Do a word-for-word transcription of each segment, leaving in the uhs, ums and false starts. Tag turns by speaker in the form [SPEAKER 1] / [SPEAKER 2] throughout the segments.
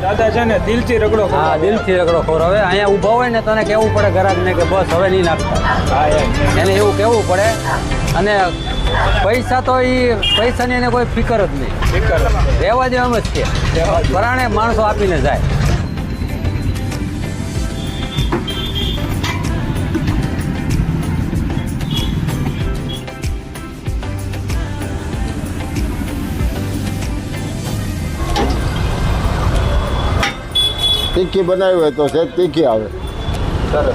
[SPEAKER 1] દાદા છે ને દિલથી રગડો
[SPEAKER 2] હા દિલથી રગડો ખવડાવે. અહીંયા ઊભા હોય ને તને કહેવું પડે ગ્રાહકને કે બસ હવે નહીં નાખતા.
[SPEAKER 1] હા એમ
[SPEAKER 2] એને એવું કહેવું પડે. અને પૈસા તો એ પૈસાની એને કોઈ ફિકર જ નહીં,
[SPEAKER 1] ફિકર
[SPEAKER 2] રહેવા દેવા એમ જ છે. પરાણે માણસો આપીને જાય.
[SPEAKER 3] તીખી બનાવી હોય તો છે તીખી આવે.
[SPEAKER 1] સરસ.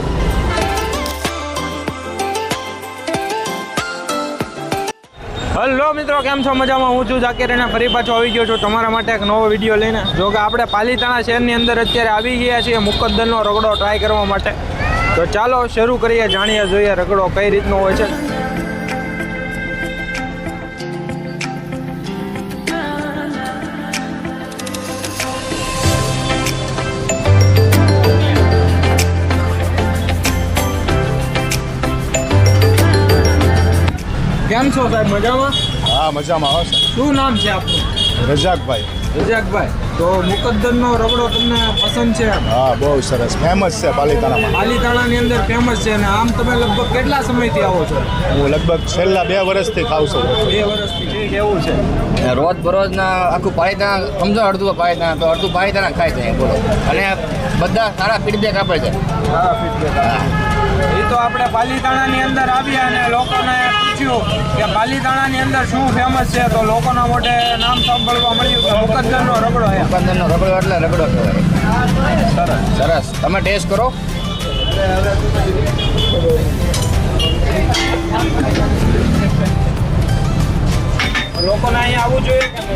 [SPEAKER 1] હલો મિત્રો, કેમ છો? મજામાં? હું છું ઝાકીર અને ફરી પાછો આવી ગયો છું તમારા માટે એક નવો વિડીયો લઈને. જો કે આપણે પાલીતાણા શહેરની અંદર અત્યારે આવી ગયા છીએ મુકદ્દરનો રગડો ટ્રાય કરવા માટે. તો ચાલો શરૂ કરીએ, જાણીએ જોઈએ રગડો કઈ રીતનો હોય છે. કેમ છો સાહેબ? મજામાં?
[SPEAKER 3] હા મજામાં આવે છે.
[SPEAKER 1] શું નામ છે આપનું?
[SPEAKER 3] રજાકભાઈ.
[SPEAKER 1] રજાકભાઈ. તો મુકદ્દરનો રગડો તમને પસંદ છે?
[SPEAKER 3] હા બહુ સરસ, ફેમસ છે પાલીતાણામાં.
[SPEAKER 1] પાલીતાણાની અંદર ફેમસ છે. અને આમ તમે લગભગ કેટલા સમયથી આવો છો?
[SPEAKER 3] હું લગભગ છેલ્લા બે વર્ષથી ખાઉં છું.
[SPEAKER 1] બે વર્ષથી. ઠીક, એવું છે.
[SPEAKER 4] રોજ બરોજના આખું પાલીતાણા સમજો, અડધું પાલીતાણા તો અડધું પાલીતાણા ખાય છે બોલો. અને બધા સારા ફીડબેક આપે છે.
[SPEAKER 1] સારા ફીડબેક. એ તો આપણે પાલીતાણાની અંદર આવ્યા અને લોકોને પૂછ્યું કે પાલીતાણાની અંદર શું ફેમસ છે, તો લોકોના મોઢે નામ સાંભળવા મળ્યું કે મુકદ્દરનો રગડો છે.
[SPEAKER 4] મુકદ્દરનો રગડો એટલે રગડો કહેવાય.
[SPEAKER 1] સરસ
[SPEAKER 4] સરસ, તમે ટેસ્ટ કરો.
[SPEAKER 1] લોકોને અહીંયા આવવું જોઈએ કે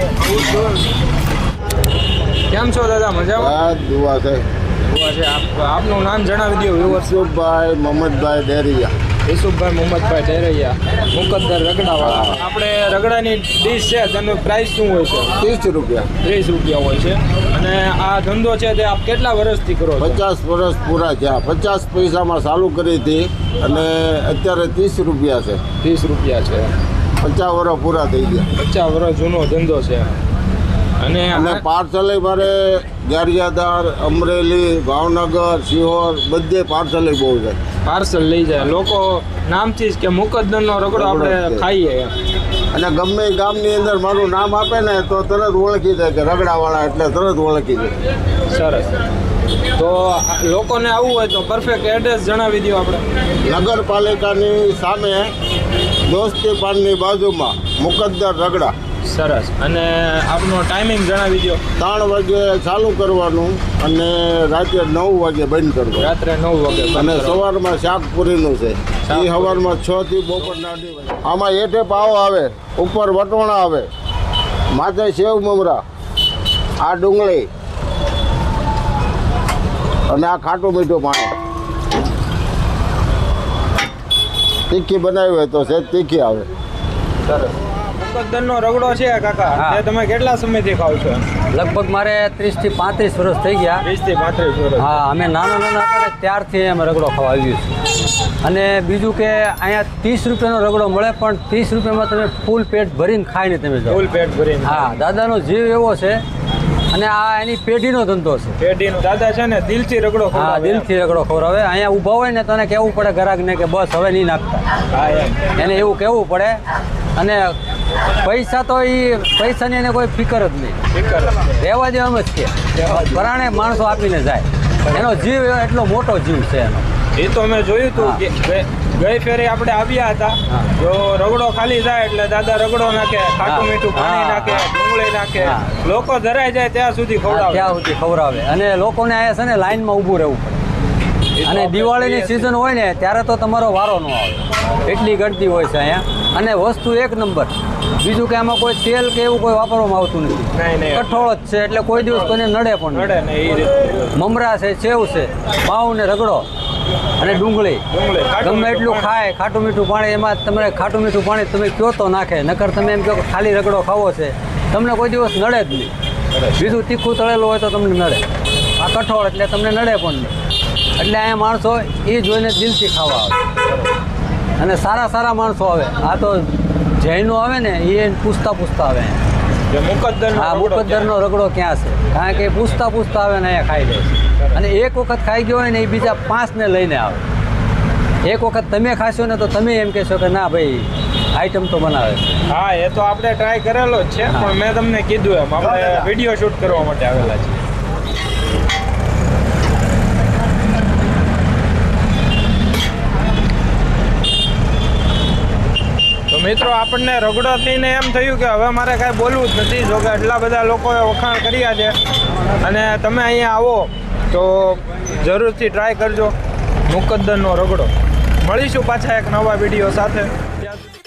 [SPEAKER 1] નહીં? કેમ છો દાદા? મજામાં?
[SPEAKER 3] હા દુઆ છે.
[SPEAKER 1] ઉભા છે. આપ આપનું નામ જણાવી દો વ્યુઅર્સ.
[SPEAKER 3] યુસુફભાઈ મોહમ્મદભાઈ ડેરિયા.
[SPEAKER 1] યુસુફભાઈ મોહમ્મદભાઈ ડેરૈયા, મુકદ્દર રગડાવાળા. આપણે રગડાની ડીશ છે તેનું પ્રાઇસ શું હોય છે?
[SPEAKER 3] ત્રીસ રૂપિયા.
[SPEAKER 1] ત્રીસ રૂપિયા હોય છે. અને આ ધંધો છે તે આપ કેટલા વર્ષથી કરો છો?
[SPEAKER 3] પચાસ વર્ષ પૂરા થયા. પચાસ પૈસામાં ચાલુ કરી હતી અને અત્યારે ત્રીસ રૂપિયા છે.
[SPEAKER 1] ત્રીસ રૂપિયા છે.
[SPEAKER 3] પચાસ વર્ષ પૂરા થઈ ગયા.
[SPEAKER 1] પચાસ વર્ષ જૂનો ધંધો છે. અને
[SPEAKER 3] અને પાર્સલે મારે ગારિયાદાર, અમરેલી, ભાવનગર, સિહોર બધે પાર્સલે બહુ છે.
[SPEAKER 1] પાર્સલ લઈ જાય લોકો નામથી જ કે મુકદ્દરનો રગડો આપણે ખાઈએ એમ.
[SPEAKER 3] અને ગમે એ ગામની અંદર મારું નામ આપે ને તો તરત ઓળખી જાય કે રગડાવાળા, એટલે તરત ઓળખી જાય.
[SPEAKER 1] સરસ. તો લોકોને આવવું હોય તો પરફેક્ટ એડ્રેસ જણાવી દો આપણે.
[SPEAKER 3] નગરપાલિકાની સામે દોસ્તી પાનની બાજુમાં મુકદ્દર રગડા.
[SPEAKER 1] સરસ. અને આપનો ટાઈમિંગ જણાવી દો.
[SPEAKER 3] ત્રણ વાગે ચાલુ કરવાનું અને રાત્રે નવ વાગે બંધ કરવાનું.
[SPEAKER 1] રાત્રે નવ વાગે.
[SPEAKER 3] અને સવારમાં શાકપુરીનું છે. એ સવારમાં છ થી બપોરના અઢી વાગે. આમાં હેઠે પાવ આવે, ઉપર વટોણા આવે, માથે સેવ મમરા, આ ડુંગળી અને આ ખાટું મીઠું પાણી. તીખી બનાવી હોય તો છે તીખી આવે.
[SPEAKER 1] સરસ. મુકદ્દરનો રગડો છે કાકા, એ તમે કેટલા સમયથી ખાવ છો?
[SPEAKER 2] લગભગ મારે ત્રીસથી પાંત્રીસ વર્ષ થઈ ગયા.
[SPEAKER 1] વીસ થી પાંત્રીસ વર્ષ.
[SPEAKER 2] હા, અમે નાના નાના હતા ને ત્યારથી અમે રગડો ખાવા આવ્યું છે. અને બીજું કે અહીંયા ત્રીસ રૂપિયાનો રગડો મળે, પણ ત્રીસ રૂપિયામાં તમે ફૂલ પેટ ભરીને ખાઈને તમે જાઓ.
[SPEAKER 1] ફૂલ પેટ ભરીને.
[SPEAKER 2] હા, દાદાનો જીવ એવો છે. અને આ એની પેઢીનો ધંધો છે.
[SPEAKER 1] પેઢીનો. દાદા છે ને દિલથી રગડો
[SPEAKER 2] હા
[SPEAKER 1] ખવડાવે.
[SPEAKER 2] દિલથી રગડો ખવડાવે. અહીંયા ઊભા હોય ને તને કહેવું પડે ગ્રાહકને કે બસ હવે નહીં નાખતા.
[SPEAKER 1] હા એમ.
[SPEAKER 2] એને એવું કહેવું પડે. અને પૈસા તો એ પૈસાની એને કોઈ ફિકર જ નહીં,
[SPEAKER 1] ફિકર
[SPEAKER 2] રહેવા દેવા એમ જ છે. પરાણે માણસો આપીને જાય. એનો જીવ એટલો મોટો જીવ છે એનો.
[SPEAKER 1] એ તો મેં જોયું હતું કે ગઈ- ગઈ ફેરે આપણે આવ્યા હતા.
[SPEAKER 2] હા.
[SPEAKER 1] જો રગડો ખાલી જાય એટલે દાદા રગડો નાખે, ખાટું
[SPEAKER 2] હા.
[SPEAKER 1] મીઠું પાણી
[SPEAKER 2] હા.
[SPEAKER 1] નાખે, ડુંગળી નાખે.
[SPEAKER 2] હા.
[SPEAKER 1] લોકો ધરાઈ જાય ત્યાં સુધી
[SPEAKER 2] હા,
[SPEAKER 1] ખવડાવે.
[SPEAKER 2] ત્યાં સુધી ખવડાવે. અને લોકોને અહીંયા છે ને લાઈનમાં ઊભું રહેવું પડે.
[SPEAKER 1] એ તો
[SPEAKER 2] અને
[SPEAKER 1] આપણે
[SPEAKER 2] દિવાળીની
[SPEAKER 1] જોઈએ
[SPEAKER 2] સિઝન હોય ને ત્યારે તો તમારો વારો ન આવે, એટલી ગળતી હોય છે અહીંયા. અને વસ્તુ એક નંબર. બીજું કે આમાં કોઈ તેલ કે એવું કોઈ વાપરવામાં આવતું નથી.
[SPEAKER 1] નહીં, નહીં.
[SPEAKER 2] કઠોળ જ છે એટલે કોઈ દિવસ કોઈને નડે પણ
[SPEAKER 1] નડે
[SPEAKER 2] નહીં.
[SPEAKER 1] ને એ રીતે.
[SPEAKER 2] મમરા છે, સેવ છે, પાઉં ને રગડો અને ડુંગળી.
[SPEAKER 1] ડુંગળી, ખાટું
[SPEAKER 2] ગમે
[SPEAKER 1] મીઠું
[SPEAKER 2] એટલું
[SPEAKER 1] પાણી.
[SPEAKER 2] ખાય, ખાટું મીઠું પાણી. એમાં તમે ખાટું મીઠું પાણી તમે કયો તો નાખે, નકર તમે એમ કહો કે ખાલી રગડો ખાવો છે, તમને કોઈ દિવસ નડે જ નહીં. બીજું તીખું તળેલું હોય તો તમને નડે. આ કઠોળ એટલે તમને નડે પણ નહીં. એટલે અહીંયા માણસો એ જોઈને દિલથી ખાવા આવે. અને સારા સારા માણસો આવે. આ તો જૈનો આવે ને એ પૂછતા પૂછતા આવે.
[SPEAKER 1] જે મુકદ્દરનો
[SPEAKER 2] હા
[SPEAKER 1] રગડો
[SPEAKER 2] મુકદ્દરનો રગડો ક્યાં છે કારણ કે એ પૂછતા પૂછતા આવે ને અહીંયા ખાઈ લે છે અને એક વખત ખાઈ ગયો હોય ને એ બીજા પાંચને લઈને આવે એક વખત તમે ખાશો ને તો તમે એમ કહેશો કે ના ભાઈ આઈટમ તો બનાવે છે
[SPEAKER 1] હા એ તો આપણે ટ્રાય કરેલો જ છે પણ મેં તમને કીધું એમ આપણે વિડીયો શૂટ કરવા માટે આવેલા છે. તો મિત્રો આપણને રગડો થઈને એમ થયું કે હવે મારે કાંઈ બોલવું જ નથી જો કે એટલા બધા લોકોએ વખાણ કર્યા છે અને તમે અહીંયા આવો તો જરૂરથી ટ્રાય કરજો મુકદ્દરનો રગડો. મળીશું પાછા એક નવા વિડીયો સાથે. ત્યાં સુધી